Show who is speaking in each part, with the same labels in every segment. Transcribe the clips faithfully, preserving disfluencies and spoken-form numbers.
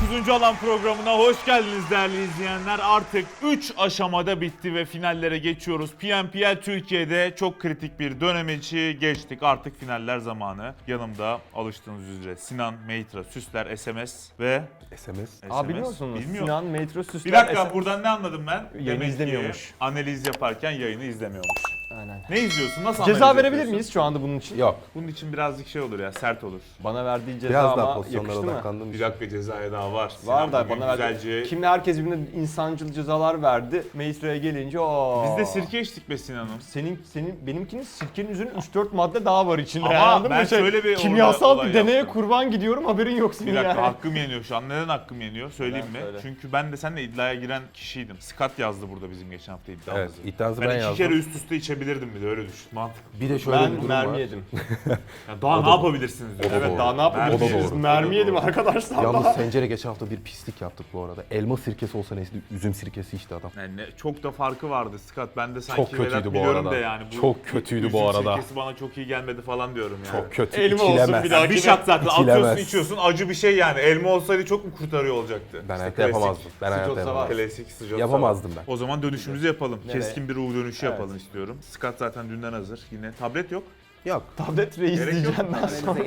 Speaker 1: dokuzuncu alan programına hoş geldiniz değerli izleyenler. Artık üç aşamada bitti ve finallere geçiyoruz. P M P L Türkiye'de çok kritik bir dönem içi geçtik. Artık finaller zamanı. Yanımda alıştığınız üzere Sinan, Meytra, Süsler, S M S ve...
Speaker 2: S M S.
Speaker 3: Aa biliyor musunuz?
Speaker 1: Bilmiyorum.
Speaker 3: Sinan, Metro, Süsler...
Speaker 1: Bir dakika
Speaker 3: S M S
Speaker 1: buradan ne anladım ben?
Speaker 3: Yayını
Speaker 1: Demek ki
Speaker 3: izlemiyormuş.
Speaker 1: analiz yaparken yayını izlemiyormuş.
Speaker 3: Aynen.
Speaker 1: Ne izliyorsun? Nasıl
Speaker 3: Ceza
Speaker 1: analiz
Speaker 3: verebilir
Speaker 1: yapıyorsun?
Speaker 3: miyiz şu anda bunun için?
Speaker 2: Yok.
Speaker 1: Bunun için birazcık şey olur ya, sert olur.
Speaker 3: Bana verdiği ceza
Speaker 2: Biraz daha
Speaker 3: ama
Speaker 2: pozisyonlara
Speaker 3: yakıştı mı?
Speaker 2: odaklandım.
Speaker 1: Bir dakika cezaya daha var.
Speaker 3: Var
Speaker 1: Sinan
Speaker 3: da
Speaker 1: bugün
Speaker 3: bana
Speaker 1: güzelce...
Speaker 3: verdi. Kimle herkes birbirine insancıl cezalar verdi. Meistro'ya gelince o.
Speaker 1: Biz de sirke içtik be Sinan'ım.
Speaker 3: Senin senin benimkinin sirkenin üzerine üç dört madde daha var içinde.
Speaker 1: Ama
Speaker 3: anladın
Speaker 1: ben
Speaker 3: mı? Şey,
Speaker 1: şöyle bir
Speaker 3: kimyasal
Speaker 1: olay
Speaker 3: bir deneye
Speaker 1: yaptım.
Speaker 3: kurban gidiyorum, haberin yok senin
Speaker 1: Bir dakika
Speaker 3: yani.
Speaker 1: hakkım yeniyor şu an. Neden hakkım yeniyor? Söyleyeyim
Speaker 3: Neden?
Speaker 1: mi?
Speaker 3: Söyle.
Speaker 1: Çünkü ben de seninle iddiaya giren kişiydim. Scott yazdı burada bizim geçen hafta iddiamızı.
Speaker 2: Evet, iddianızı
Speaker 1: ben,
Speaker 2: ben
Speaker 1: iki
Speaker 2: yazdım.
Speaker 1: kere üst üste içebilirdim bir de öyle düşün. Mantıklı.
Speaker 2: Bir de şöyle
Speaker 3: Ben
Speaker 2: bir durum
Speaker 3: mermi
Speaker 2: var.
Speaker 3: yedim.
Speaker 1: Yani daha
Speaker 2: O
Speaker 1: ne
Speaker 2: da
Speaker 1: yapabilirsiniz diyor.
Speaker 2: O da
Speaker 3: Evet
Speaker 2: doğru.
Speaker 3: daha ne yapabiliriz?
Speaker 2: O da doğru.
Speaker 3: Mermi
Speaker 1: O da
Speaker 3: yedim
Speaker 1: doğru.
Speaker 3: arkadaşlar.
Speaker 2: Yalnız
Speaker 3: daha.
Speaker 2: Sencer'e geçen hafta bir pislik yaptık bu arada. Elma sirkesi olsa neyse, üzüm sirkesi işte adam.
Speaker 1: Yani ne- çok da farkı vardı Scott. Ben de sanki
Speaker 2: Çok kötüydü
Speaker 1: Vedat
Speaker 2: bu
Speaker 1: biliyorum
Speaker 2: arada.
Speaker 1: da yani. Bu
Speaker 2: Çok kötüydü
Speaker 1: üzüm
Speaker 2: bu arada.
Speaker 1: sirkesi bana çok iyi gelmedi falan diyorum yani.
Speaker 2: Çok kötü.
Speaker 3: Elma olsun
Speaker 2: içilemez.
Speaker 3: bir daha.
Speaker 1: Yani bir shot zaten
Speaker 2: İçilemez.
Speaker 1: atıyorsun içiyorsun acı bir şey yani. Elma olsaydı çok mu kurtarıyor olacaktı?
Speaker 2: Ben
Speaker 1: İşte
Speaker 2: hayatta
Speaker 1: klasik.
Speaker 2: yapamazdım. Ben hayatta
Speaker 3: Sıcak
Speaker 2: yapamazdım.
Speaker 1: Klasik sıcak.
Speaker 2: Yapamazdım ben.
Speaker 1: O zaman dönüşümüzü yapalım.
Speaker 3: Nereye?
Speaker 1: Keskin bir U dönüşü
Speaker 3: Evet.
Speaker 1: yapalım istiyorum. Scott zaten dünden hazır. Yine tablet yok.
Speaker 2: Yok.
Speaker 3: Tablet reis
Speaker 1: Gerek yok.
Speaker 3: diyeceğim ben sonra.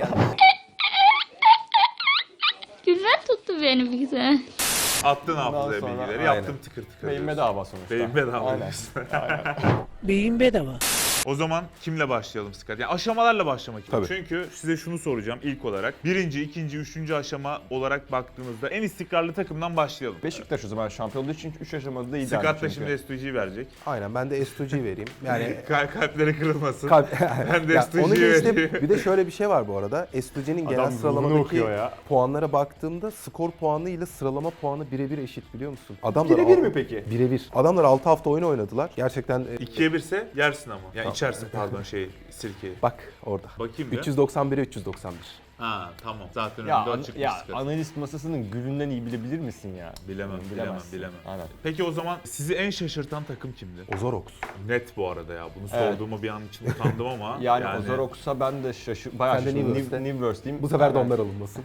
Speaker 4: Güzel tuttu beni bir güzel.
Speaker 1: Attın hafızaya
Speaker 3: sonra-
Speaker 1: bilgileri.
Speaker 2: Aynen.
Speaker 1: Yaptım tıkır tıkır.
Speaker 3: Beyin
Speaker 1: diyorsun.
Speaker 3: bedava sonuçta.
Speaker 1: Beyin bedava
Speaker 3: Aynen.
Speaker 1: diyorsun.
Speaker 5: Beyin bedava.
Speaker 1: O zaman kimle başlayalım Scott? Yani aşamalarla başlamak istiyorum.
Speaker 2: Tabii.
Speaker 1: Çünkü size şunu soracağım ilk olarak. Birinci, ikinci, üçüncü aşama olarak baktığınızda en istikrarlı takımdan başlayalım.
Speaker 3: Beşiktaş o zaman şampiyon olduğu için üç aşamada iyi
Speaker 1: Scott da
Speaker 3: çünkü.
Speaker 1: şimdi S iki G verecek.
Speaker 2: Aynen, ben de S iki G vereyim. Yani
Speaker 1: Kalp kalpleri kırılmasın.
Speaker 2: kalp...
Speaker 1: Ben de
Speaker 2: Ya
Speaker 1: S iki G
Speaker 2: onu geçtim.
Speaker 1: vereyim.
Speaker 2: Bir de şöyle bir şey var bu arada. S iki G'nin genel
Speaker 3: Adam ruhunu
Speaker 2: sıralamadaki
Speaker 3: okuyor ya.
Speaker 2: puanlara baktığımda skor puanı ile sıralama puanı birebir eşit, biliyor musun? Adamlar
Speaker 3: Birebir
Speaker 2: al-
Speaker 3: mi peki?
Speaker 2: Birebir. Adamlar altı hafta oyun oynadılar. Gerçekten e,
Speaker 1: İkiye birse yersin ama. Yani
Speaker 2: Tamam.
Speaker 1: içersin pardon şey sirkeyi.
Speaker 2: bak orada.
Speaker 1: Bakayım bir.
Speaker 2: üç yüz doksan bire üç yüz doksan bir.
Speaker 1: Ha tamam. Zaten
Speaker 3: Ya,
Speaker 1: önünde
Speaker 3: an-
Speaker 1: açık bir
Speaker 3: ya
Speaker 1: Scott.
Speaker 3: analist masasının gülünden iyi bilebilir misin ya?
Speaker 1: Bilemem, bilemem,
Speaker 3: Bilemezsin.
Speaker 1: bilemem.
Speaker 3: Aynen.
Speaker 1: Peki o zaman sizi en şaşırtan takım kimdi?
Speaker 2: Ozorox.
Speaker 1: Net bu arada ya. Bunu
Speaker 3: Evet.
Speaker 1: sorduğuma bir an için utandım ama.
Speaker 3: Yani, yani Ozorox'a ben de şaşır, bayağı
Speaker 2: Sen de
Speaker 3: şaşırdım.
Speaker 2: Newverse'de.
Speaker 3: New, Newverse'deyim.
Speaker 2: Bu sefer de
Speaker 3: Aynen.
Speaker 2: onlar alınmasın.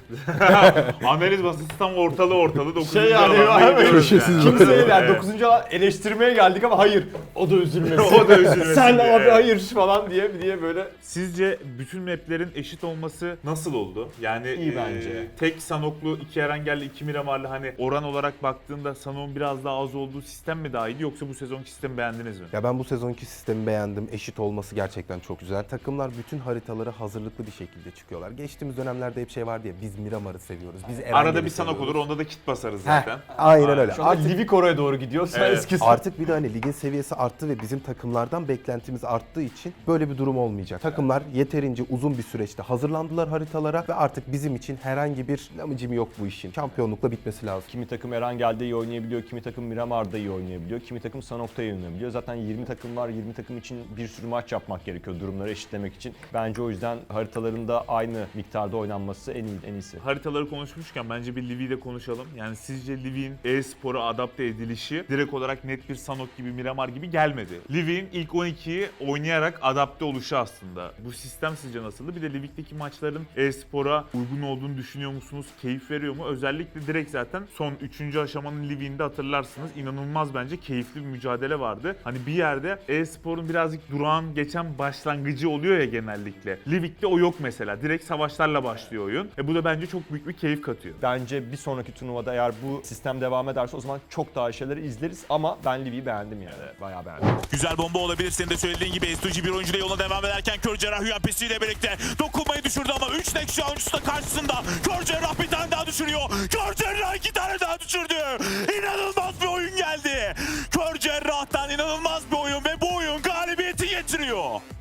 Speaker 1: Analiz masası tam ortalı ortalı. dokuzuncu
Speaker 3: Şey yani,
Speaker 1: alanda
Speaker 3: aynen.
Speaker 1: gidiyoruz
Speaker 2: Köşesiz
Speaker 1: yani.
Speaker 2: böyle.
Speaker 3: Kimseye yani dokuzuncu alan eleştirmeye geldik ama hayır o da üzülmesin.
Speaker 1: O da üzülmesin
Speaker 3: Sen
Speaker 1: diye.
Speaker 3: abi hayır falan diye diye böyle.
Speaker 1: Sizce bütün maplerin eşit olması nasıl oldu? Yani
Speaker 3: İyi
Speaker 1: e,
Speaker 3: bence.
Speaker 1: tek Sanoklu, iki Erengelli, iki Miramarlı hani oran olarak baktığında Sanok'un biraz daha az olduğu sistem mi daha iyiydi yoksa bu sezonki sistemi beğendiniz mi?
Speaker 2: Ya ben bu sezonki sistemi beğendim. Eşit olması gerçekten çok güzel. Takımlar bütün haritalara hazırlıklı bir şekilde çıkıyorlar. Geçtiğimiz dönemlerde hep şey vardı ya, biz Miramar'ı seviyoruz. Biz Erengel'i
Speaker 1: Arada bir Sanok
Speaker 2: seviyoruz.
Speaker 1: olur, onda da kit basarız
Speaker 2: Heh,
Speaker 1: zaten.
Speaker 2: aynen öyle.
Speaker 3: Şu anda
Speaker 2: Artık,
Speaker 3: Livik oraya doğru gidiyor. Sen
Speaker 1: Evet.
Speaker 3: eskisi.
Speaker 2: artık bir de hani ligin seviyesi arttı ve bizim takımlardan beklentimiz arttığı için böyle bir durum olmayacak. Takımlar yeterince uzun bir süreçte hazırlandılar haritalara ve artık bizim için herhangi bir lamıcım yok bu işin. Şampiyonlukla bitmesi lazım.
Speaker 3: Kimi takım Erengel'de iyi oynayabiliyor, kimi takım Miramar'da iyi oynayabiliyor, kimi takım Sanok'ta iyi oynayabiliyor. Zaten yirmi takım var, yirmi takım için bir sürü maç yapmak gerekiyor durumları eşitlemek için. Bence o yüzden haritaların da aynı miktarda oynanması en iyi, en iyisi.
Speaker 1: Haritaları konuşmuşken bence bir Livi'yi de konuşalım. Yani sizce Livi'nin e-spora adapte edilişi direkt olarak net bir Sanok gibi, Miramar gibi gelmedi. Livi'nin ilk on ikiyi oynayarak adapte oluşu aslında. Bu sistem sizce nasıldı? Bir de Livik'teki maçların e-spora uygun olduğunu düşünüyor musunuz? Keyif veriyor mu? Özellikle direkt zaten son üçüncü aşamanın Livik'inde hatırlarsınız. İnanılmaz bence keyifli bir mücadele vardı. Hani bir yerde e-sporun birazcık durağan geçen başlangıcı oluyor ya genellikle. Livik'te o yok mesela. Direkt savaşlarla başlıyor oyun. E bu da bence çok büyük bir keyif katıyor.
Speaker 3: Bence bir sonraki turnuvada eğer bu sistem devam ederse o zaman çok daha şeyleri izleriz ama ben Livi'yi beğendim yani. Bayağı beğendim.
Speaker 6: Güzel bomba olabilir. Senin de söylediğin gibi S iki G bir oyuncuyla yoluna devam ederken Kör Cerrah U M P C ile birlikte dokunmayı düşürdü ama üç Nexus oyuncusu da karşısında. Kör Cerrah bir tane daha düşürüyor. Kör Cerrah iki tane daha düşürdü. İnanılmaz bir oyun geldi. Kör Cerrah'tan inanılmaz bir oyun ve bu oyun galibiyeti getiriyor.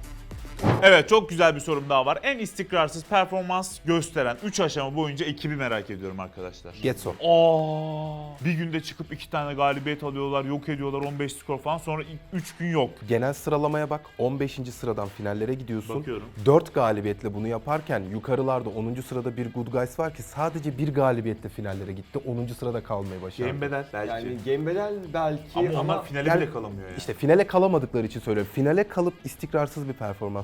Speaker 1: Evet, çok güzel bir sorum daha var. En istikrarsız performans gösteren üç aşama boyunca ekibi merak ediyorum arkadaşlar.
Speaker 2: Getso.
Speaker 1: Aa, bir günde çıkıp iki tane galibiyet alıyorlar, yok ediyorlar, on beş skor falan, sonra üç gün yok.
Speaker 2: Genel sıralamaya bak. on beşinci sıradan finallere gidiyorsun.
Speaker 1: Bakıyorum.
Speaker 2: dört galibiyetle bunu yaparken yukarılarda onuncu sırada bir Good Guys var ki sadece bir galibiyetle finallere gitti. onuncu sırada kalmayı başardı.
Speaker 1: Game bedel belki.
Speaker 3: Yani Game Bedel belki
Speaker 1: ama
Speaker 3: ama,
Speaker 1: onlar finale
Speaker 2: Yani
Speaker 1: bile kalamıyor yani.
Speaker 2: İşte finale kalamadıkları için söylüyorum. Finale kalıp istikrarsız bir performans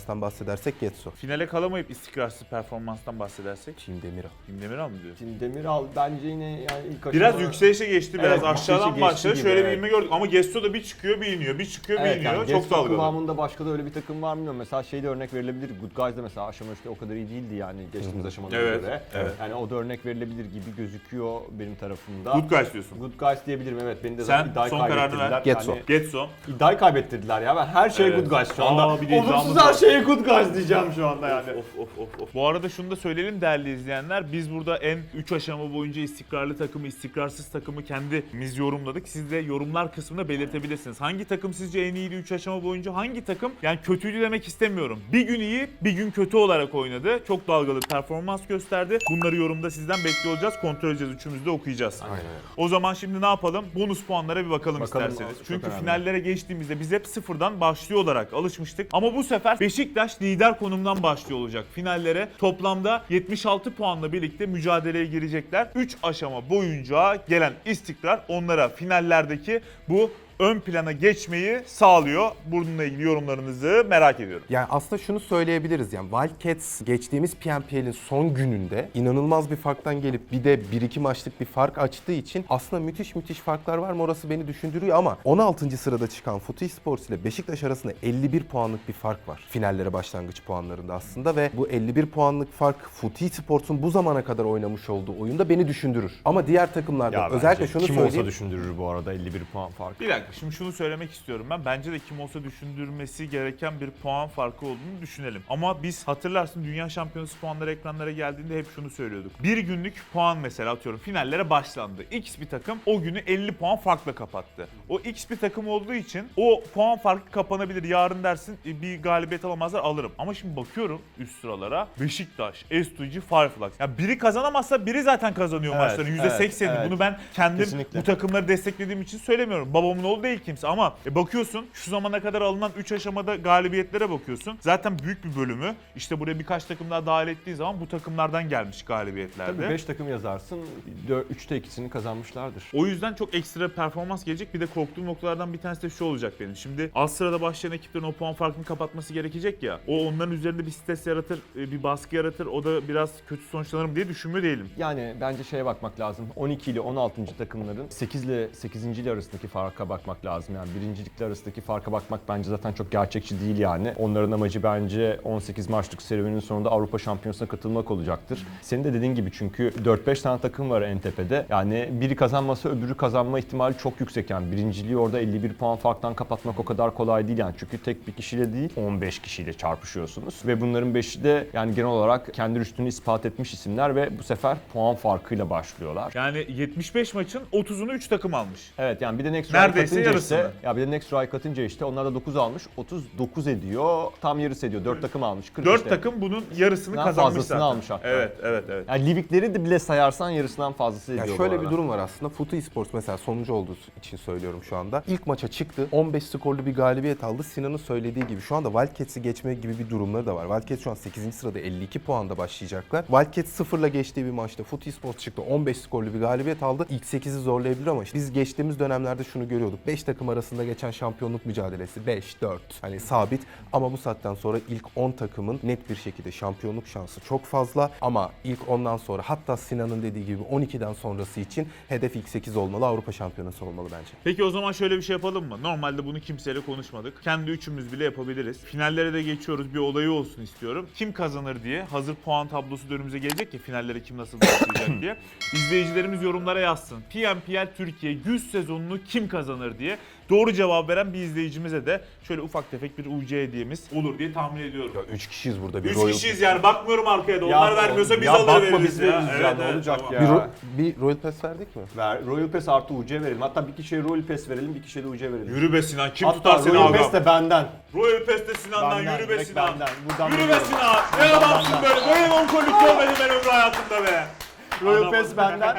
Speaker 2: performanstan bahsedersek Getso.
Speaker 1: Finale kalamayıp istikrarsız performanstan bahsedersek.
Speaker 2: Team Demiral.
Speaker 1: Kim Demiral mı diyor?
Speaker 3: Şimdi Demiral bence yine yani ilk aşama...
Speaker 1: Biraz yükselişe geçti, biraz
Speaker 3: Evet,
Speaker 1: aşağıdan
Speaker 3: yükselişe
Speaker 1: başladı.
Speaker 3: geçti
Speaker 1: Şöyle
Speaker 3: gibi,
Speaker 1: bir
Speaker 3: evet.
Speaker 1: inme gördük ama Gesto da bir çıkıyor, bir iniyor, bir çıkıyor, bir
Speaker 3: Evet,
Speaker 1: iniyor.
Speaker 3: yani
Speaker 1: Çok
Speaker 3: Getso
Speaker 1: dalgalı.
Speaker 3: kıvamında başka da öyle bir takım var mı bilmiyorum. Mesela şeyde örnek verilebilir. Good Guys'da mesela aşama üçte o kadar iyi değildi yani geçtiğimiz aşamalara
Speaker 1: Evet,
Speaker 3: göre.
Speaker 1: evet.
Speaker 3: Yani o da örnek verilebilir gibi gözüküyor benim tarafımda.
Speaker 1: Good guys diyorsun.
Speaker 3: Good Guys diyebilirim evet. Beni de
Speaker 1: Sen
Speaker 3: zaten iddiayı
Speaker 1: son kararını
Speaker 3: kaybettirdiler.
Speaker 1: ver.
Speaker 2: Getso.
Speaker 3: Yani
Speaker 1: Getso.
Speaker 3: iddiayı kaybettirdiler ya. Ben her şeye
Speaker 1: Evet.
Speaker 3: Good Guys şu anda.
Speaker 1: Aa, bir de
Speaker 3: Olumsuz
Speaker 1: iddiamız
Speaker 3: her
Speaker 1: var.
Speaker 3: şeye Good Guys diyeceğim şu anda yani.
Speaker 1: Of of of of. Bu arada şunu da söyleyelim değerli izleyenler. Biz burada en üç aşama boyunca istikrarlı takımı, istikrarsız takımı kendimiz yorumladık. Siz de yorumlar kısmında belirtebilirsiniz. Hangi takım sizce en iyiydi üç aşama boyunca? Hangi takım? Yani kötüydü demek istemiyorum. Bir gün iyi, bir gün kötü olarak oynadı. Çok dalgalı performans gösterdi. Bunları yorumda sizden bekliyor olacağız. Kontrol edeceğiz. Üçümüz de okuyacağız.
Speaker 3: Aynen öyle.
Speaker 1: O zaman şimdi ne yapalım? Bonus puanlara bir bakalım,
Speaker 3: Bakalım,
Speaker 1: isterseniz.
Speaker 3: çok
Speaker 1: Çünkü
Speaker 3: önemli.
Speaker 1: finallere geçtiğimizde biz hep sıfırdan başlıyor olarak alışmıştık. Ama bu sefer Beşiktaş lider konumdan başlıyor olacak finallere. Toplamda yetmiş altı puanla birlikte mücadeleye girecekler. üç aşama boyunca gelen istikrar onlara finallerdeki bu ön plana geçmeyi sağlıyor. Bununla ilgili yorumlarınızı merak ediyorum.
Speaker 2: Yani aslında şunu söyleyebiliriz yani Wildcats geçtiğimiz P N P L'in son gününde inanılmaz bir farktan gelip bir de bir iki maçlık bir fark açtığı için aslında müthiş müthiş farklar var mı orası beni düşündürüyor ama on altıncı sırada çıkan Footysports ile Beşiktaş arasında elli bir puanlık bir fark var. Finallere başlangıç puanlarında aslında ve bu elli bir puanlık fark Footysports'un bu zamana kadar oynamış olduğu oyunda beni düşündürür. Ama diğer takımlarda
Speaker 3: Ya
Speaker 2: özellikle
Speaker 3: bence
Speaker 2: şunu
Speaker 3: kim
Speaker 2: söyleyeyim.
Speaker 3: olsa düşündürür bu arada elli bir puan farkı.
Speaker 1: Bir dakika şimdi şunu söylemek istiyorum ben. Bence de kim olsa düşündürmesi gereken bir puan farkı olduğunu düşünelim. Ama biz hatırlarsın Dünya Şampiyonası puanları ekranlara geldiğinde hep şunu söylüyorduk. Bir günlük puan mesela atıyorum finallere başlandı. X bir takım o günü elli puan farkla kapattı. O X bir takım olduğu için o puan farkı kapanabilir. Yarın dersin e, bir galibiyet alamazlar alırım. Ama şimdi bakıyorum üst sıralara Beşiktaş, S two G, Fireflux. Ya biri kazanamazsa biri zaten kazanıyor
Speaker 3: Evet,
Speaker 1: maçların yüzde seksenini.
Speaker 3: evet, evet.
Speaker 1: Bunu ben kendim
Speaker 3: Kesinlikle.
Speaker 1: bu takımları desteklediğim için söylemiyorum. Babamın oğlu değil kimse ama e, bakıyorsun şu zamana kadar alınan üç aşamada galibiyetlere bakıyorsun. Zaten büyük bir bölümü işte buraya birkaç takım daha dahil ettiği zaman bu takımlardan gelmiş galibiyetlerde.
Speaker 3: Tabii beş takım yazarsın, üçte ikisini kazanmışlardır.
Speaker 1: O yüzden çok ekstra performans gelecek. Bir de korktuğum noktalardan bir tanesi de şu olacak benim. Şimdi alt sırada başlayan ekiplerin o puan farkını kapatması gerekecek ya. O onların üzerinde bir stres yaratır, e, bir baskı yaratır. O da biraz kötü sonuçlanır diye düşünmüyor değilim.
Speaker 3: Yani bence şeye bakmak lazım. on iki ile on altıncı takımların sekiz ile sekizinci ile arasındaki farka bakmak lazım. Yani birincilikle arasındaki farka bakmak bence zaten çok gerçekçi değil yani. Onların amacı bence on sekiz maçlık serüvenin sonunda Avrupa Şampiyonası'na katılmak olacaktır. Senin de dediğin gibi çünkü dört beş tane takım var en tepede. Yani biri kazanmasa öbürü kazanma ihtimali çok yüksek yani. Birinciliği orada elli bir puan farktan kapatmak o kadar kolay değil yani. Çünkü tek bir kişiyle değil on beş kişiyle çarpışıyorsunuz. Ve bunların beşi de yani genel olarak kendi üstünü ispat etmiş isimler ve bu sefer puan farkıyla başlıyorlar.
Speaker 1: Yani yetmiş beş maçın otuzunu üç takım almış.
Speaker 3: Evet yani bir de Next Ray
Speaker 1: Neredeyse
Speaker 3: katınca
Speaker 1: yarısını.
Speaker 3: işte, ya bir de Next Ray katınca işte onlar da dokuz almış. otuz dokuz ediyor. Tam yarısı ediyor. dört takım almış. kırk
Speaker 1: dört
Speaker 3: işte.
Speaker 1: takım bunun yarısını
Speaker 3: Daha
Speaker 1: kazanmış
Speaker 3: fazlasını
Speaker 1: zaten.
Speaker 3: almış hatta.
Speaker 1: Evet, evet, evet.
Speaker 3: Yani Livikleri de bile sayarsan yarısından fazlası ediyor
Speaker 2: Ya
Speaker 3: bu
Speaker 2: şöyle
Speaker 3: arada.
Speaker 2: bir durum var aslında. Footy Sports mesela sonuncu olduğu için söylüyorum şu anda. İlk maça çıktı. on beş skorlu bir galibiyet aldı. Sinan'ın söylediği gibi şu anda Wildcats'i geçme gibi bir durumları da var. Wildcats şu an sekizinci sırada elli iki puanda başlayacaklar. Wildcats sıfırla geçtiği bir maçta Footy Sports çıktı. on beş skorlu bir galibiyet aldı. İlk sekizi zorlayabilir ama işte biz geçtiğimiz dönemlerde şunu görüyorduk. beş takım arasında geçen şampiyonluk mücadelesi beş dört hani sabit ama bu saatten sonra ilk on takımın net bir şekilde şampiyonluk şansı çok fazla ama ilk ondan sonra hatta Sinan'ın dediği gibi on ikiden sonrası için hedef ilk sekiz olmalı, Avrupa Şampiyonası olmalı bence.
Speaker 1: Peki o zaman şöyle bir şey yapalım mı? Normalde bunu kimseyle konuşmadık. Kendi üçümüz bile yapabiliriz. Finallere de geçiyoruz. Bir olayı olsun istiyorum. Kim kazanır diye. Hazır puan tablosu da önümüze gelecek ya finallere kim nasıl başlayacak diye. İzleyicilerimiz yorumlara yazsın. P N P L Türkiye yüz sezonunu kim kazanır diye. Doğru cevap veren bir izleyicimize de şöyle ufak tefek bir U C hediyemiz olur diye tahmin ediyorum.
Speaker 2: Ya üç kişiyiz burada bir
Speaker 1: Üç
Speaker 2: Royal
Speaker 1: kişiyiz yani bakmıyorum arkaya da.
Speaker 3: Ya
Speaker 1: Onlar
Speaker 3: o-
Speaker 1: vermiyorsa biz
Speaker 3: ya
Speaker 1: alır
Speaker 3: bakma,
Speaker 1: veririz
Speaker 3: biz
Speaker 1: ya.
Speaker 3: veririz ya, ne olacak
Speaker 1: tamam.
Speaker 3: ya?
Speaker 2: bir, Ro- bir Royal Pass verdik mi?
Speaker 3: Ver, Royal Pass artı U C verelim. Hatta bir kişiye Royal Pass verelim, bir kişiye de U C verelim.
Speaker 1: Yürü be Sinan kim
Speaker 3: Hatta
Speaker 1: tutar seni
Speaker 3: Royal
Speaker 1: ağam?
Speaker 3: Pass de benden.
Speaker 1: Royal Pass de Sinan'dan
Speaker 3: Benden,
Speaker 1: yürü be
Speaker 3: direkt
Speaker 1: Sinan.
Speaker 3: benden. Buradan
Speaker 1: Yürü be
Speaker 3: veriyorum.
Speaker 1: Sinan. Ne
Speaker 3: Buradan
Speaker 1: adamsın
Speaker 3: benden.
Speaker 1: böyle. Böyle onkolluk görmedim ben ömrü hayatımda be.
Speaker 3: Royal
Speaker 1: Adam-
Speaker 3: Pass benden.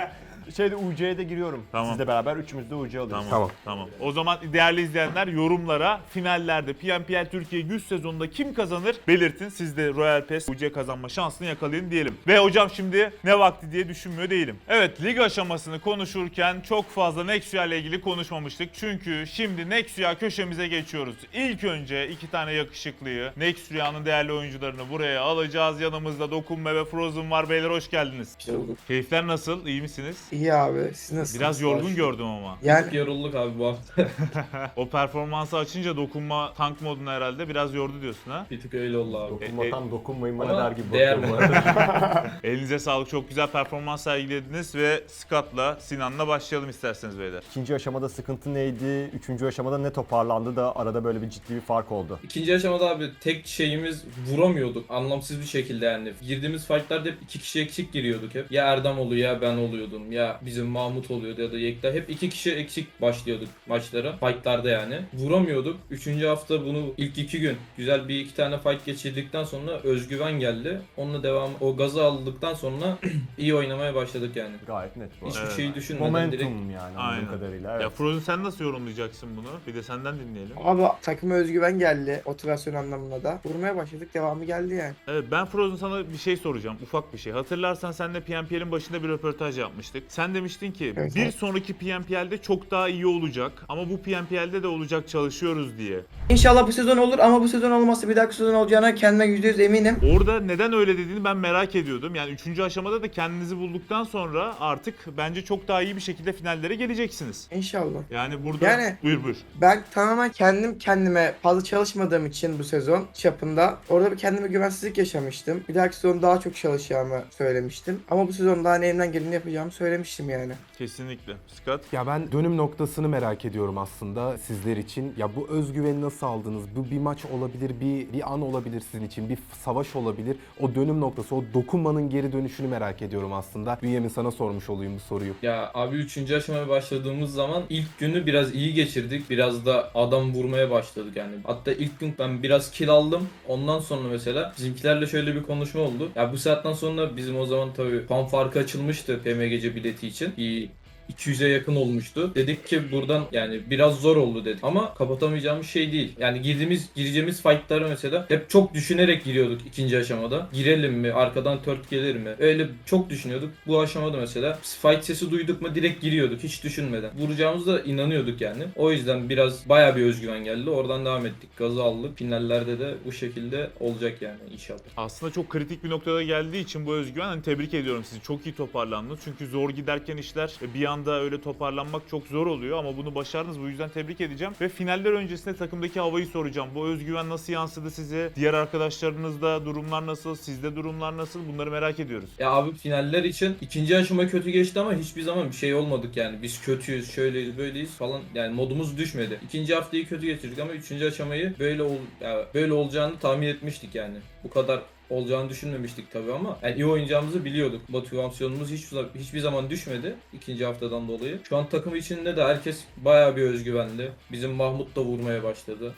Speaker 3: Şeyde U C'ye de giriyorum.
Speaker 1: Tamam.
Speaker 3: Sizle beraber üçümüz de U C alıyoruz.
Speaker 1: Tamam,
Speaker 2: Tamam.
Speaker 1: tamam. O zaman değerli izleyenler yorumlara finallerde P N P L Türkiye yüz sezonunda kim kazanır belirtin. Siz de Royal Pass U C kazanma şansını yakalayın diyelim. Ve hocam şimdi ne vakti diye düşünmüyor değilim. Evet, lig aşamasını konuşurken çok fazla Nexia ile ilgili konuşmamıştık. Çünkü şimdi Nexia köşemize geçiyoruz. İlk önce iki tane yakışıklıyı, Nexia'nın değerli oyuncularını buraya alacağız. Yanımızda Dokunma ve Frozen var. Beyler hoş geldiniz. Keyifler nasıl? İyi misiniz?
Speaker 7: İyi abi, siz nasılsınız?
Speaker 1: Biraz yorgun gördüm ama.
Speaker 7: Yani
Speaker 8: Yorulduk abi bu hafta.
Speaker 1: O performansı açınca dokunma tank modunu herhalde biraz yordu diyorsun ha.
Speaker 8: Bir tık öyle oldu abi.
Speaker 3: Dokunmadan dokunmayın bana
Speaker 8: Ama
Speaker 3: der gibi
Speaker 8: değer
Speaker 3: bakıyorum
Speaker 8: mi?
Speaker 3: bana.
Speaker 1: Elinize sağlık. Çok güzel performans sergilediniz ve Scott'la Sinan'la başlayalım isterseniz beyler.
Speaker 3: İkinci aşamada sıkıntı neydi? Üçüncü aşamada ne toparlandı da arada böyle bir ciddi bir fark oldu.
Speaker 8: İkinci aşamada abi tek şeyimiz vuramıyorduk anlamsız bir şekilde yani. Girdiğimiz fightlarda hep iki kişi eksik giriyorduk hep. Ya Erdem oluyor ya ben oluyordum ya bizim Mahmut oluyordu ya da Yekta. Hep iki kişi eksik başlıyorduk maçlara. Fightlarda yani. Vuramıyorduk. Üçüncü hafta bunu ilk iki gün güzel bir iki tane fight geçirdikten sonra özgüven geldi. Onunla devam o gazı aldıktan sonra iyi oynamaya başladık yani.
Speaker 3: Gayet net bu.
Speaker 8: Hiçbir
Speaker 1: Evet.
Speaker 8: şeyi düşünmeden
Speaker 3: Momentum
Speaker 8: direkt
Speaker 3: yani
Speaker 1: Aynen.
Speaker 3: anladığım kadarıyla.
Speaker 1: Ya
Speaker 3: Evet.
Speaker 1: Frozen sen nasıl yorumlayacaksın bunu? Bir de senden dinleyelim.
Speaker 7: abi takıma özgüven geldi motivasyon anlamında da. Vurmaya başladık, devamı geldi yani.
Speaker 1: Evet, ben Frozen sana bir şey soracağım. Ufak bir şey. Hatırlarsan seninle P N P L'in başında bir röportaj yapmıştık. Sen demiştin ki
Speaker 7: Evet,
Speaker 1: bir
Speaker 7: evet.
Speaker 1: sonraki P N P L'de çok daha iyi olacak. Ama bu P N P L'de de olacak, çalışıyoruz diye.
Speaker 7: İnşallah bu sezon olur ama bu sezon olmazsa bir dahaki sezon olacağına kendime yüzde yüz eminim.
Speaker 1: Orada neden öyle dediğini ben merak ediyordum. Yani üçüncü aşamada da kendinizi bulduktan sonra artık bence çok daha iyi bir şekilde finallere geleceksiniz.
Speaker 7: İnşallah.
Speaker 1: Yani burada...
Speaker 7: Yani-
Speaker 1: Buyur buyur.
Speaker 7: Ben tamamen kendim kendime fazla çalışmadığım için bu sezon çapında orada bir kendime güvensizlik yaşamıştım. Bir dahaki sezon daha çok çalışacağımı söylemiştim. Ama bu sezon daha elimden geleni yapacağımı söylemiştim yani.
Speaker 1: Kesinlikle. Scott?
Speaker 2: Ya ben dönüm noktasını merak ediyorum aslında sizler için. Ya bu özgüveni nasıl aldınız? Bu bir maç olabilir, bir bir an olabilir sizin için, bir savaş olabilir. O dönüm noktası, o dokunmanın geri dönüşünü merak ediyorum aslında. Bünyamin sana sormuş olayım bu soruyu.
Speaker 8: Ya abi üçüncü aşamaya başladığımız zaman ilk günü biraz iyi geçirdik. Biraz da adam vurmaya başladık yani. Hatta ilk gün ben biraz kill aldım. Ondan sonra mesela bizimkilerle şöyle bir konuşma oldu. Ya bu saatten sonra bizim o zaman tabii puan farkı açılmıştı P M G C bileti için. Bir iki yüze yakın olmuştu. Dedik ki buradan yani biraz zor oldu dedik. Ama kapatamayacağımız şey değil. Yani girdiğimiz gireceğimiz fight'ları mesela hep çok düşünerek giriyorduk ikinci aşamada. Girelim mi? Arkadan tört gelir mi? Öyle çok düşünüyorduk. Bu aşamada mesela fight sesi duyduk mu direkt giriyorduk hiç düşünmeden. Vuracağımıza da inanıyorduk yani. O yüzden biraz bayağı bir özgüven geldi. Oradan devam ettik. Gazı aldık. Finallerde de bu şekilde olacak yani inşallah.
Speaker 1: Aslında çok kritik bir noktada geldiği için bu özgüven, hani tebrik ediyorum sizi. Çok iyi toparlandınız. Çünkü zor giderken işler e, bir anda öyle toparlanmak çok zor oluyor ama bunu başardınız. Bu yüzden tebrik edeceğim. Ve finaller öncesinde takımdaki havayı soracağım. Bu özgüven nasıl yansıdı size? Diğer arkadaşlarınızda durumlar nasıl? Sizde durumlar nasıl? Bunları merak ediyoruz.
Speaker 8: Ya abi finaller için ikinci aşama kötü geçti ama hiçbir zaman bir şey olmadık yani. Biz kötüyüz, şöyleyiz, böyleyiz falan. Yani modumuz düşmedi. İkinci haftayı kötü geçirdik ama üçüncü aşamayı böyle ol ya böyle olacağını tahmin etmiştik yani. Bu kadar olacağını düşünmemiştik tabii ama yani iyi oynayacağımızı biliyorduk. Motivasyonumuz hiç, hiçbir zaman düşmedi ikinci haftadan dolayı. Şu an takım içinde de herkes bayağı bir özgüvenli. Bizim Mahmut da vurmaya başladı.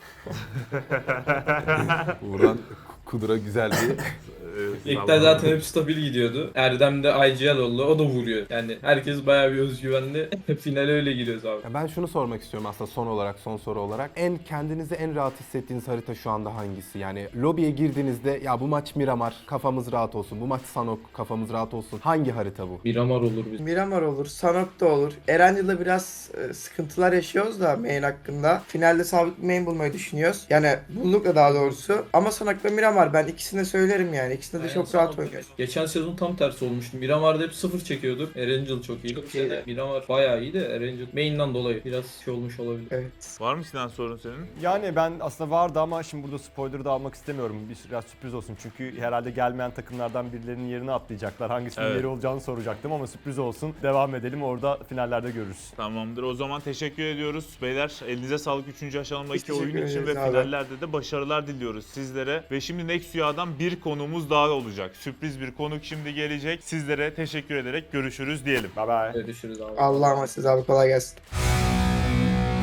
Speaker 2: Buradan Kudura güzel bir
Speaker 8: İlkler zaten hep stabil gidiyordu. Erdem de I G L oldu. O da vuruyor. Yani herkes bayağı bir özgüvenli. Finale öyle giriyoruz abi.
Speaker 2: Ya ben şunu sormak istiyorum aslında son olarak, son soru olarak. En kendinizi en rahat hissettiğiniz harita şu anda hangisi? Yani lobiye girdiğinizde ya bu maç Miramar, kafamız rahat olsun. Bu maç Sanok, kafamız rahat olsun. Hangi harita bu?
Speaker 8: Miramar olur biz.
Speaker 7: Miramar olur, Sanok da olur. Erencil'de biraz e, sıkıntılar yaşıyoruz da main hakkında. Finalde sabit bir main bulmayı düşünüyoruz. Yani bulduk da daha doğrusu. Ama Sanok ve Miramar ben ikisini de söylerim yani. İkisinde de
Speaker 8: Aynen,
Speaker 7: çok
Speaker 8: Sanok
Speaker 7: rahat
Speaker 8: da-
Speaker 7: oynuyoruz.
Speaker 8: Geçen sezon tam tersi olmuştu. Miramar'da hep sıfır çekiyorduk. Erangel çok iyiydi.
Speaker 7: Çok iyiydi.
Speaker 8: Miramar bayağı iyiydi. Erangel main'den dolayı biraz şey olmuş olabilir.
Speaker 7: Evet.
Speaker 1: Var mı Sinan sorun senin?
Speaker 3: Yani ben aslında vardı ama şimdi burada spoiler da almak istemiyorum. Bir- Biraz sürpriz olsun çünkü herhalde gelmeyen takımlardan birilerinin yerine atlayacaklar. Hangisinin
Speaker 1: Evet.
Speaker 3: yeri olacağını soracaktım ama sürpriz olsun. Devam edelim, orada finallerde görürüz.
Speaker 1: Tamamdır. O zaman teşekkür ediyoruz. Beyler elinize sağlık üçüncü aşamadaki
Speaker 7: Biz teşekkür
Speaker 1: oyun için ve
Speaker 7: ederiz abi.
Speaker 1: finallerde de başarılar diliyoruz sizlere. Ve şimdi Nexia'dan bir konuğumuz daha olacak. Sürpriz bir konuk şimdi gelecek. Sizlere teşekkür ederek görüşürüz diyelim.
Speaker 3: Bye bye.
Speaker 8: Görüşürüz abi.
Speaker 7: Allah'a emanet olun abi, kolay gelsin.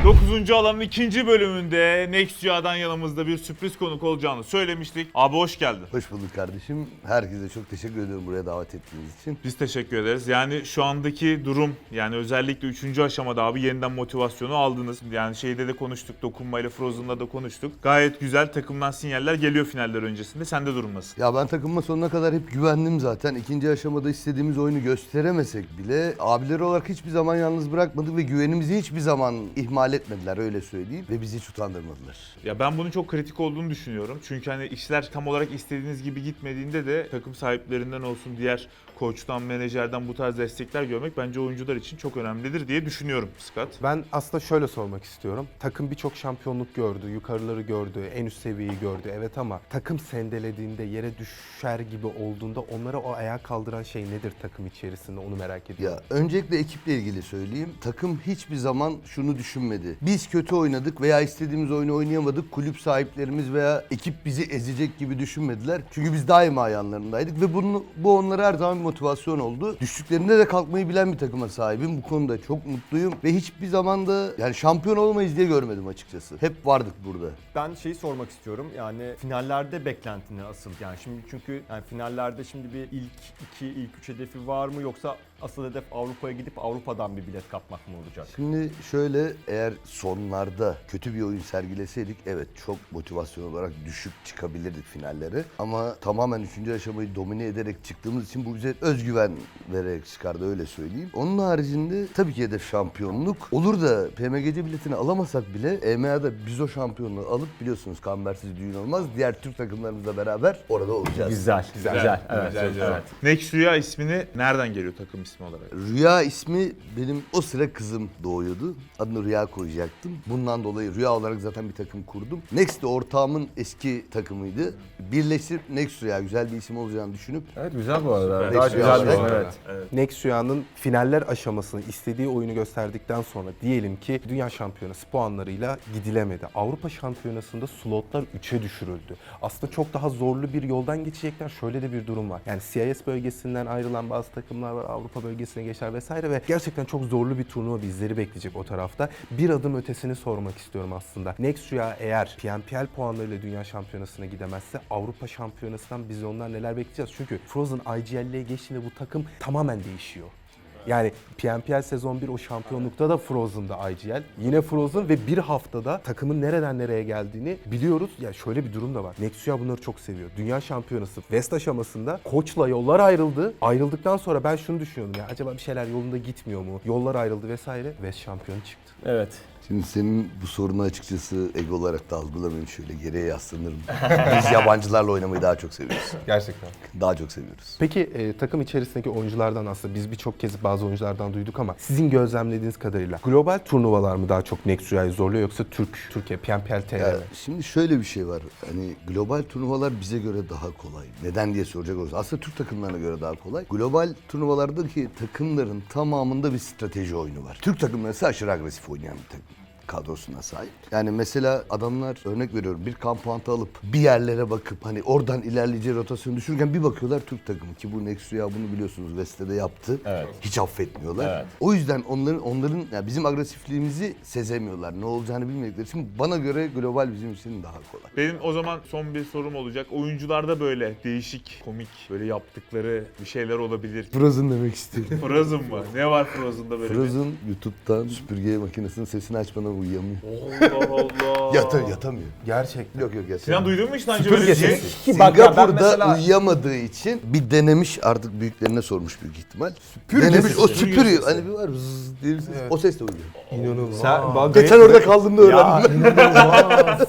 Speaker 1: dokuzuncu alanın ikinci bölümünde Nexua'dan yanımızda bir sürpriz konuk olacağını söylemiştik. Abi hoş geldin.
Speaker 9: Hoş bulduk kardeşim. Herkese çok teşekkür ediyorum buraya davet ettiğiniz için.
Speaker 1: Biz teşekkür ederiz. Yani şu andaki durum, yani özellikle üçüncü aşamada abi yeniden motivasyonu aldınız. Yani şeyde de konuştuk, dokunmayla Frozen'da da konuştuk. Gayet güzel takımdan sinyaller geliyor finaller öncesinde. Sende durum nasıl?
Speaker 9: Ya ben takımıma sonuna kadar hep güvendim zaten. İkinci aşamada istediğimiz oyunu gösteremesek bile abileri olarak hiçbir zaman yalnız bırakmadık ve güvenimizi hiçbir zaman ihmal etmediler, öyle söyleyeyim. Ve bizi hiç utandırmadılar.
Speaker 1: Ya ben bunun çok kritik olduğunu düşünüyorum. Çünkü hani işler tam olarak istediğiniz gibi gitmediğinde de takım sahiplerinden olsun, diğer koçtan, menajerden bu tarz destekler görmek bence oyuncular için çok önemlidir diye düşünüyorum Scott.
Speaker 2: Ben aslında şöyle sormak istiyorum. Takım birçok şampiyonluk gördü, yukarıları gördü, en üst seviyeyi gördü. Evet ama takım sendelediğinde, yere düşer gibi olduğunda onlara o ayağa kaldıran şey nedir takım içerisinde, onu merak ediyorum.
Speaker 9: Ya öncelikle ekiple ilgili söyleyeyim. Takım hiçbir zaman şunu düşünmedi. Biz kötü oynadık veya istediğimiz oyunu oynayamadık. Kulüp sahiplerimiz veya ekip bizi ezecek gibi düşünmediler. Çünkü biz daima yanlarındaydık ve bunu, bu onlara her zaman bir motivasyon oldu. Düştüklerinde de kalkmayı bilen bir takıma sahibim. Bu konuda çok mutluyum ve hiçbir zaman da yani şampiyon olmayız diye görmedim açıkçası. Hep vardık burada.
Speaker 3: Ben şeyi sormak istiyorum, yani finallerde beklentini asıl, yani şimdi çünkü yani finallerde şimdi bir ilk iki, ilk üç hedefi var mı, yoksa asıl hedef Avrupa'ya gidip Avrupa'dan bir bilet kapmak mı olacak?
Speaker 9: Şimdi şöyle, eğer sonlarda kötü bir oyun sergileseydik evet çok motivasyon olarak düşük çıkabilirdik finallere. Ama tamamen üçüncü aşamayı domine ederek çıktığımız için bu bize özgüven vererek çıkardı, öyle söyleyeyim. Onun haricinde tabii ki hedef şampiyonluk. Olur da P M G C biletini alamasak bile E M A'da biz o şampiyonluğu alıp, biliyorsunuz kambersiz düğün olmaz, diğer Türk takımlarımızla beraber orada olacağız.
Speaker 3: Güzel, güzel, güzel. Evet,
Speaker 1: Güzel,
Speaker 3: evet,
Speaker 1: güzel.
Speaker 3: evet.
Speaker 1: Nexu'a ismini nereden geliyor takım ismi olarak?
Speaker 9: Rüya ismi benim o sıra kızım doğuyordu. Adını Rüya koyacaktım. Bundan dolayı Rüya olarak zaten bir takım kurdum. Next de ortağımın eski takımıydı. Birleştirip Next Rüya güzel bir isim olacağını düşünüp
Speaker 3: Evet, güzel bu arada.
Speaker 9: Süper.
Speaker 3: Daha
Speaker 9: Güzel
Speaker 3: güzel
Speaker 9: bu
Speaker 3: bir isim,
Speaker 9: arada.
Speaker 3: evet.
Speaker 2: Nexua'nın finaller aşamasını istediği oyunu gösterdikten sonra diyelim ki Dünya Şampiyonası puanlarıyla gidilemedi. Avrupa Şampiyonası'nda slotlar üçe düşürüldü. Aslında çok daha zorlu bir yoldan geçecekler. Şöyle de bir durum var. Yani C I S bölgesinden ayrılan bazı takımlar var. Avrupa bölgesine geçer vesaire ve gerçekten çok zorlu bir turnuva bizleri bekleyecek o tarafta. Bir adım ötesini sormak istiyorum aslında. Nexua eğer P N P L puanlarıyla Dünya Şampiyonası'na gidemezse Avrupa Şampiyonası'ndan biz onlar neler bekleyeceğiz? Çünkü Frozen I G L'ye geçtiğinde bu takım tamamen değişiyor. Yani P N P L sezon bir o şampiyonlukta da Frozen'da I G L. Yine Frozen ve bir haftada takımın nereden nereye geldiğini biliyoruz. Ya yani şöyle bir durum da var. Nexua bunları çok seviyor. Dünya Şampiyonası West aşamasında koçla yollar ayrıldı. Ayrıldıktan sonra ben şunu düşünüyordum ya, acaba bir şeyler yolunda gitmiyor mu? Yollar ayrıldı vesaire. West şampiyonu çıktı.
Speaker 3: Evet.
Speaker 9: Şimdi senin bu sorunu açıkçası ego olarak da algılamayayım, şöyle geriye yaslanırım. Biz yabancılarla oynamayı daha çok seviyoruz.
Speaker 2: Gerçekten.
Speaker 9: Daha çok seviyoruz.
Speaker 2: Peki e, takım içerisindeki oyunculardan aslında biz birçok kez bazı oyunculardan duyduk ama sizin gözlemlediğiniz kadarıyla global turnuvalar mı daha çok Nexua'yı zorluyor yoksa Türk, Türkiye, P N P L T R
Speaker 9: Ya
Speaker 2: mi?
Speaker 9: şimdi şöyle bir şey var. Hani global turnuvalar bize göre daha kolay. Neden diye soracak olursa. Aslında Türk takımlarına göre daha kolay. Global turnuvalardaki takımların tamamında bir strateji oyunu var. Türk takımları ise aşırı agresif oynayan bir takım kadrosuna sahip. Yani mesela adamlar, örnek veriyorum, bir kampanta alıp bir yerlere bakıp hani oradan ilerleyeceği rotasyonu düşürürken bir bakıyorlar Türk takımı, ki bu Nexua bunu biliyorsunuz West'te de yaptı.
Speaker 3: Evet.
Speaker 9: Hiç affetmiyorlar.
Speaker 3: Evet.
Speaker 9: O yüzden onların onların yani bizim agresifliğimizi sezemiyorlar. Ne olacağını bilmedikleri için bana göre global bizim için daha kolay.
Speaker 1: Benim o zaman son bir sorum olacak. Oyuncularda böyle değişik, komik, böyle yaptıkları bir şeyler olabilir.
Speaker 9: Frozen demek istiyorum.
Speaker 1: Frozen mı? Ne var Frozen'da böyle?
Speaker 9: Frozen YouTube'dan süpürge makinesinin sesini açmadan uyuyamıyor.
Speaker 1: Allah Allah.
Speaker 9: Yata, yatamıyor.
Speaker 2: Gerçekten.
Speaker 9: Yok yok yatamıyor.
Speaker 1: Sinan duydun mu hiç daha önce böyle bir şey?
Speaker 3: Ki bak ya, ben
Speaker 9: Singapur'da
Speaker 3: mesela-
Speaker 9: uyuyamadığı için bir denemiş, artık büyüklerine sormuş büyük ihtimal.
Speaker 2: Süpürge
Speaker 9: denemiş,
Speaker 2: sesi.
Speaker 9: o
Speaker 1: Süpürge
Speaker 9: süpürüyor.
Speaker 1: sesi.
Speaker 9: Hani bir var zzz diye bir ses. O sesle uyuyor.
Speaker 2: İnanılmaz.
Speaker 3: Sen, bak,
Speaker 9: Geçen orada kaldığımda öğrendim.
Speaker 2: İnanılmaz.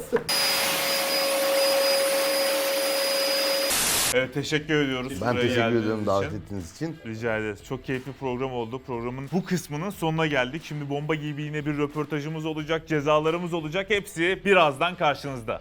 Speaker 1: Evet, teşekkür ediyoruz.
Speaker 9: Ben
Speaker 1: buraya
Speaker 9: teşekkür
Speaker 1: geldiğiniz
Speaker 9: ediyorum davet
Speaker 1: için.
Speaker 9: ettiğiniz için.
Speaker 1: Rica ederiz. Çok keyifli program oldu. Programın bu kısmının sonuna geldik. Şimdi bomba gibi yine bir röportajımız olacak, cezalarımız olacak. Hepsi birazdan karşınızda.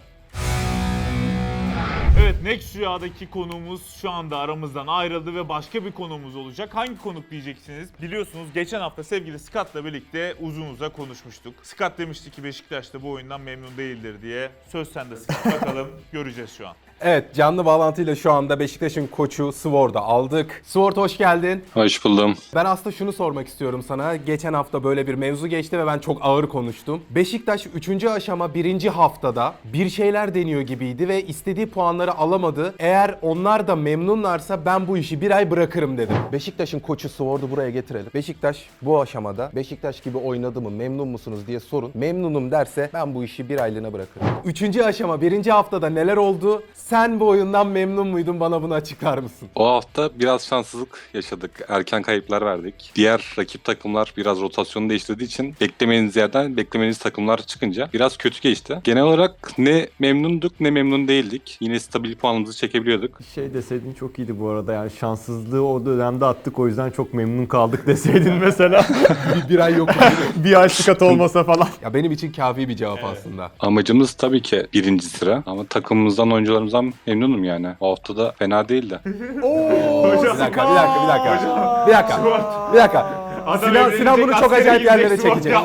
Speaker 1: Evet, Nexua'daki konuğumuz şu anda aramızdan ayrıldı ve başka bir konuğumuz olacak. Hangi konuk diyeceksiniz? Biliyorsunuz geçen hafta sevgili Scott'la birlikte uzun uzun konuşmuştuk. Scott demişti ki Beşiktaş'ta bu oyundan memnun değildir diye. Söz sende Scott. Bakalım göreceğiz şu an.
Speaker 2: Evet, canlı bağlantıyla şu anda Beşiktaş'ın koçu Swords'u aldık. Sword hoş geldin.
Speaker 10: Hoş buldum.
Speaker 2: Ben aslında şunu sormak istiyorum sana. Geçen hafta böyle bir mevzu geçti ve ben çok ağır konuştum. Beşiktaş üçüncü aşama birinci haftada bir şeyler deniyor gibiydi ve istediği puanları alamadı. Eğer onlar da memnunlarsa ben bu işi bir ay bırakırım dedim. Beşiktaş'ın koçu Swords'u buraya getirelim. Beşiktaş bu aşamada Beşiktaş gibi oynadı mı, memnun musunuz diye sorun. Memnunum derse ben bu işi bir aylığına bırakırım. Üçüncü aşama birinci haftada neler oldu? Sen bu oyundan memnun muydun? Bana bunu açıklar mısın?
Speaker 10: O hafta biraz şanssızlık yaşadık. Erken kayıplar verdik. Diğer rakip takımlar biraz rotasyonu değiştirdiği için beklemediğiniz yerden beklemediğiniz takımlar çıkınca biraz kötü geçti. Genel olarak ne memnunduk ne memnun değildik. Yine stabil puanımızı çekebiliyorduk.
Speaker 3: Şey deseydin çok iyiydi bu arada, yani şanssızlığı o dönemde attık, o yüzden çok memnun kaldık deseydin mesela.
Speaker 2: bir, bir ay yok.
Speaker 3: Bir ay sıkat olmasa falan.
Speaker 2: Ya benim için kafi bir cevap aslında.
Speaker 10: Amacımız tabii ki birinci sıra ama takımımızdan, oyuncularımızdan memnunum yani. O hafta da fena değildi.
Speaker 2: Bir dakika, bir dakika, bir dakika. Bir dakika, bir dakika. Sinan, Sinan bunu çok acayip yerlere çekecek.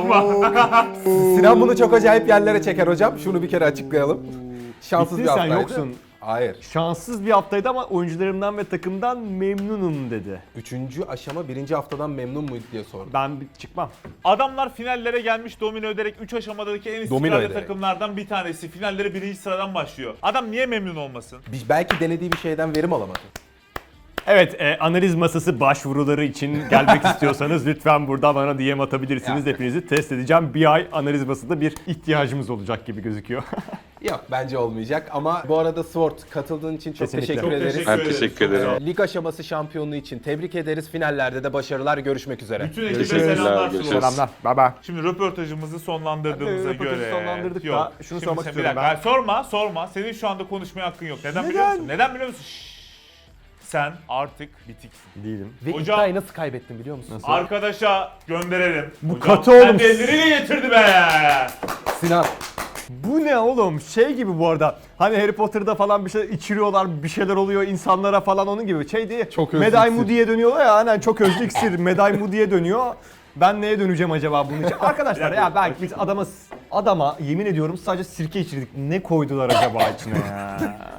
Speaker 2: Sinan bunu çok acayip yerlere çeker hocam. Şunu bir kere açıklayalım. Şanssız
Speaker 3: Bitti,
Speaker 2: bir
Speaker 3: sen
Speaker 2: haftaydı.
Speaker 3: yoksun.
Speaker 2: Hayır.
Speaker 3: Şanssız bir haftaydı ama oyuncularımdan ve takımdan memnunum dedi.
Speaker 2: Üçüncü aşama birinci haftadan memnun muydu diye sordum.
Speaker 3: Ben bir çıkmam.
Speaker 1: Adamlar finallere gelmiş, domino ederek üç aşamadaki en
Speaker 2: Domino
Speaker 1: istikrarlı
Speaker 2: ederek.
Speaker 1: takımlardan bir tanesi. Finallere birinci sıradan başlıyor. Adam niye memnun olmasın?
Speaker 2: Biz belki denediği bir şeyden verim alamadı.
Speaker 3: Evet, e, analiz masası başvuruları için gelmek istiyorsanız lütfen burada bana D M atabilirsiniz.
Speaker 2: Yani.
Speaker 3: Hepinizi test edeceğim. Bir ay analiz masasında bir ihtiyacımız olacak gibi gözüküyor.
Speaker 2: Yok, bence olmayacak ama bu arada Sword katıldığın için çok
Speaker 3: Kesinlikle.
Speaker 2: teşekkür
Speaker 1: Çok
Speaker 2: ederiz.
Speaker 1: teşekkür
Speaker 10: Ben
Speaker 1: ederim.
Speaker 10: teşekkür
Speaker 1: Çok
Speaker 10: ederim.
Speaker 1: sağ ol.
Speaker 2: Lig aşaması şampiyonluğu için tebrik ederiz. Finallerde de başarılar. Görüşmek üzere.
Speaker 1: Bütün ekibe
Speaker 10: Görüşürüz.
Speaker 1: selamlar.
Speaker 10: Görüşürüz.
Speaker 1: Slow.
Speaker 3: Selamlar. Bye bye.
Speaker 1: Şimdi röportajımızı sonlandırdığımıza
Speaker 3: Hadi, röportajı
Speaker 1: göre...
Speaker 3: sonlandırdık
Speaker 1: Yok.
Speaker 3: da şunu
Speaker 1: Şimdi
Speaker 3: sormak
Speaker 1: sen-
Speaker 3: istiyorum
Speaker 1: bir dakika. Sorma, sorma. Senin şu anda konuşmaya hakkın yok. Neden, biliyor musun? Neden biliyor musun? Şşş. Sen artık bitiksin.
Speaker 3: Değilim.
Speaker 2: Ve
Speaker 1: Hocam-
Speaker 2: iddiayı nasıl kaybettin biliyor musun?
Speaker 1: Arkadaşa gönderelim.
Speaker 3: Bu
Speaker 1: Hocam,
Speaker 3: katı oğlum.
Speaker 1: kendi elleriyle getirdi be.
Speaker 2: Sinan.
Speaker 3: Bu ne oğlum? Şey gibi bu arada. Hani Harry Potter'da falan bir şey içiriyorlar, bir şeyler oluyor insanlara falan, onun gibi. Şey diye.
Speaker 2: Çok özlü
Speaker 3: Meday
Speaker 2: iksir.
Speaker 3: Moody'ye dönüyorlar ya. Hani çok özlü iksir. Meday Moody'ye dönüyor. Ben neye döneceğim acaba bunun için? Arkadaşlar ya belki biz adama adama yemin ediyorum sadece sirke içirdik. Ne koydular acaba içine ya?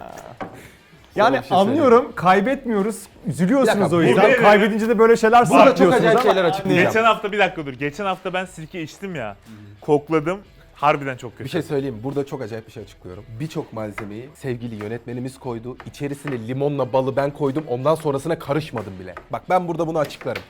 Speaker 3: Yani
Speaker 2: bir şey
Speaker 3: anlıyorum, kaybetmiyoruz. Üzülüyorsunuz
Speaker 2: dakika,
Speaker 3: o
Speaker 1: bu
Speaker 3: yüzden.
Speaker 1: ne?
Speaker 3: Kaybedince de böyle şeyler
Speaker 2: Burada çok
Speaker 3: saklıyorsunuz
Speaker 2: acayip
Speaker 3: ama-
Speaker 2: şeyler açıklayacağım.
Speaker 1: Geçen hafta bir dakika dur. Geçen hafta ben sirke içtim ya. Kokladım. Harbiden çok kötü.
Speaker 2: Bir şey söyleyeyim mi? Burada çok acayip bir şey açıklıyorum. Birçok malzemeyi sevgili yönetmenimiz koydu. İçerisine limonla balı ben koydum. Ondan sonrasına karışmadım bile. Bak ben burada bunu açıklarım.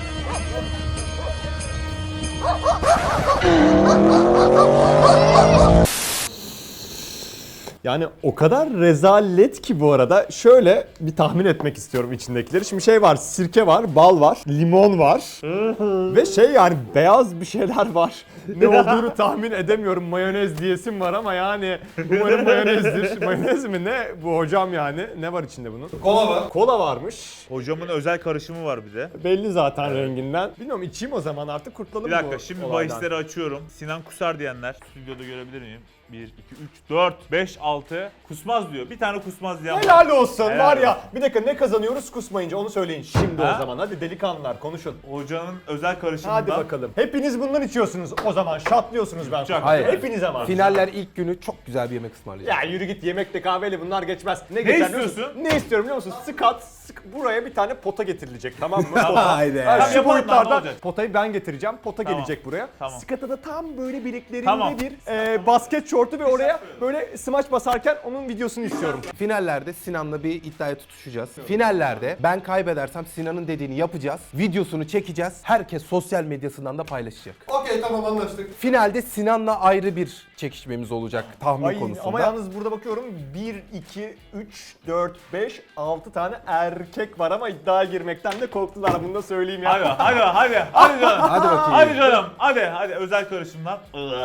Speaker 3: Yani o kadar rezalet ki bu arada. Şöyle bir tahmin etmek istiyorum içindekileri. Şimdi şey var, sirke var, bal var, limon var. Ve şey yani beyaz bir şeyler var. Ne olduğunu tahmin edemiyorum. Mayonez diyesim var ama yani umarım mayonezdir. Mayonez mi ne bu hocam yani? Ne var içinde bunun? Kola var. Kola varmış.
Speaker 1: Hocamın özel karışımı var bir de.
Speaker 3: Belli zaten renginden. Bilmiyorum, içeyim o zaman artık, kurtulalım
Speaker 1: Bir dakika
Speaker 3: bu
Speaker 1: şimdi
Speaker 3: olaydan.
Speaker 1: bahisleri açıyorum. Sinan kusar diyenler stüdyoda görebilir miyim? bir, iki, üç, dört, beş, altı kusmaz diyor. Bir tane kusmaz diyen var.
Speaker 3: Helal olsun
Speaker 1: Helal
Speaker 3: var ya.
Speaker 1: olsun.
Speaker 3: Bir dakika, ne kazanıyoruz kusmayınca onu söyleyin şimdi
Speaker 1: Ha?
Speaker 3: o zaman. Hadi delikanlılar konuşun.
Speaker 1: Hocanın özel karışımından.
Speaker 3: Hadi bakalım. Hepiniz bundan içiyorsunuz o zaman. Şatlıyorsunuz ben.
Speaker 1: Çok.
Speaker 2: Hayır.
Speaker 3: Hepiniz ama.
Speaker 2: Finaller ilk günü çok güzel bir yemek ısmarlayacağız.
Speaker 3: Ya yürü git, yemekle kahveyle bunlar geçmez. Ne, geçer biliyor musun?
Speaker 1: istiyorsun?
Speaker 3: Ne istiyorum biliyor musun? Skat, sık, buraya bir tane pota getirilecek, tamam mı? Pota.
Speaker 2: Haydi.
Speaker 3: Ha,
Speaker 1: Tamam,
Speaker 3: şu
Speaker 1: yapalım lan, ne
Speaker 3: boyutlarda
Speaker 1: olacak?
Speaker 3: potayı ben getireceğim. Pota
Speaker 1: Tamam.
Speaker 3: gelecek buraya.
Speaker 1: Tamam.
Speaker 3: Skata da tam böyle bileklerinde
Speaker 1: Tamam.
Speaker 3: bir e, basket şortu ve oraya böyle smaç basarken onun videosunu istiyorum.
Speaker 2: Finallerde Sinan'la bir iddiaya tutuşacağız. Finallerde ben kaybedersem Sinan'ın dediğini yapacağız. Videosunu çekeceğiz. Herkes sosyal medyasından da paylaşacak.
Speaker 5: Okey, tamam, anlaştık.
Speaker 2: Finalde Sinan'la ayrı bir çekişmemiz olacak tahmin
Speaker 3: Ay,
Speaker 2: konusunda.
Speaker 3: ama yalnız burada bakıyorum bir, iki, üç, dört, beş, altı tane erkek var ama iddiaya girmekten de korktular. Bunu da söyleyeyim ya.
Speaker 1: Hadi hadi hadi hadi canım.
Speaker 2: Hadi bakayım.
Speaker 1: Hadi canım. Hadi hadi özel karışımdan.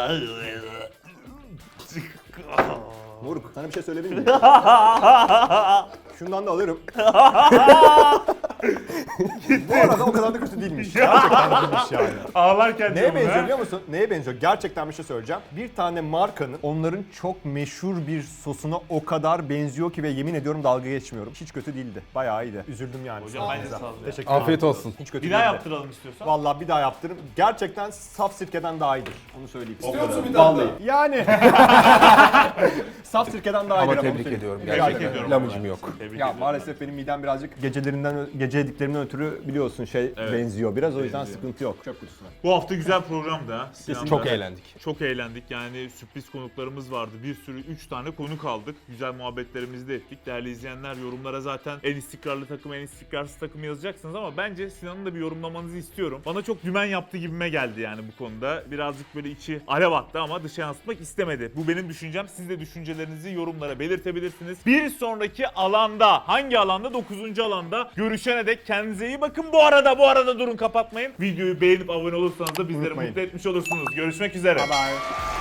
Speaker 3: Moruk, sana bir şey söyleyebilir miyim? Şundan da alırım. Bu arada o kadar da kötü değilmiş. Gerçekten değilmiş yani.
Speaker 1: Ağlarken
Speaker 3: Neye
Speaker 1: diyorum
Speaker 3: benziyor
Speaker 1: ha.
Speaker 3: biliyor musun? Neye benziyor? Gerçekten bir şey söyleyeceğim. Bir tane markanın onların çok meşhur bir sosuna o kadar benziyor ki ve yemin ediyorum dalga geçmiyorum. Hiç kötü değildi. Bayağı iyiydi. Üzüldüm yani.
Speaker 1: Hocam bence
Speaker 3: Sağ olun.
Speaker 1: sağ ol ya.
Speaker 3: Teşekkür ederim.
Speaker 2: Afiyet olsun.
Speaker 3: Hiç kötü
Speaker 1: Bir daha
Speaker 3: değildi.
Speaker 1: yaptıralım istiyorsan.
Speaker 3: Vallahi bir daha yaptırırım. Gerçekten saf sirkeden daha iyidir. Onu söyleyeyim.
Speaker 2: İstiyor musun bir daha?
Speaker 3: Vallahi. Yani. Saf sirkeden daha
Speaker 2: Ama
Speaker 3: iyidir.
Speaker 2: tebrik
Speaker 3: onu söyleyeyim.
Speaker 2: ediyorum.
Speaker 1: Tebrik
Speaker 2: Gerçekten.
Speaker 1: ediyorum.
Speaker 2: Lamıcım yok.
Speaker 1: Tebrik
Speaker 3: Ya
Speaker 1: ediyorum.
Speaker 3: maalesef benim midem birazcık gecelerinden, gece yediklerimden ötürü biliyorsun şey
Speaker 1: Evet.
Speaker 3: benziyor biraz. O yüzden
Speaker 1: Benziyor.
Speaker 3: sıkıntı yok. Çöp kutusuna.
Speaker 1: Bu hafta güzel programdı ha. Sinan'da.
Speaker 2: Çok eğlendik.
Speaker 1: Çok eğlendik. Yani sürpriz konuklarımız vardı. Bir sürü üç tane konuk aldık. Güzel muhabbetlerimizi de ettik. Değerli izleyenler, yorumlara zaten en istikrarlı takım, en istikrarsız takım yazacaksınız ama bence Sinan'ın da bir yorumlamanızı istiyorum. Bana çok dümen yaptı gibime geldi yani bu konuda. Birazcık böyle içi alev attı ama dışa yansıtmak istemedi. Bu benim düşüncem. Siz de düşüncelerinizi yorumlara belirtebilirsiniz. Bir sonraki alanda, hangi alanda? dokuzuncu alanda görüşene dek kendinize iyi bakın. Bu arada bu arada durun, kapatmayın. Videoyu beğenip abone olursanız da bizleri
Speaker 3: Unutmayın.
Speaker 1: mutlu etmiş olursunuz. Görüşmek üzere.
Speaker 3: Bye bye.